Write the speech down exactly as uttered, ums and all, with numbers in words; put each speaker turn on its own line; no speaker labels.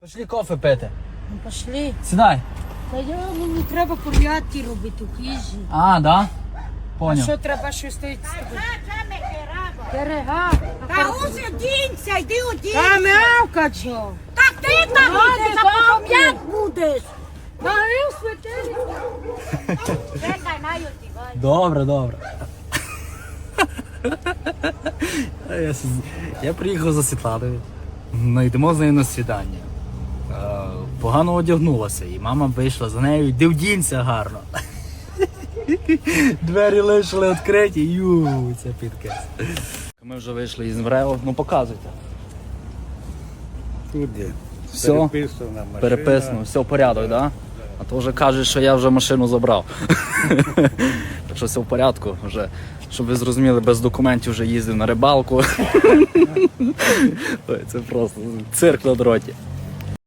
Пішли кофе пити.
Ну пошли.
Сідай.
Та я мені треба порядки робити в їжі.
А, да?
А
Поняв.
що треба щось стоїть з тобою? Перега.
Та ось одінься, йди одінься.
Та мявка чо?
Так ти там будеш, а потім як будеш?
Та і святері.
Чекай, на одівай.
Добре, добре. А Я, с- я приїхав за Світланою. Ну, йдемо з нею на свідання. Е, Погано одягнулася, і мама вийшла за нею, йди вдінься гарно. Двері лишили відкриті, ю, це підказ. Ми вже вийшли із МРЕО, ну показуйте.
Тут є.
Все,
Переписана машина.
переписано, все в порядок, так? Да? А то вже кажуть, що я вже машину забрав. Так що все в порядку вже. Щоб ви зрозуміли, без документів вже їздив на рибалку. Ой, це просто цирк на дроті.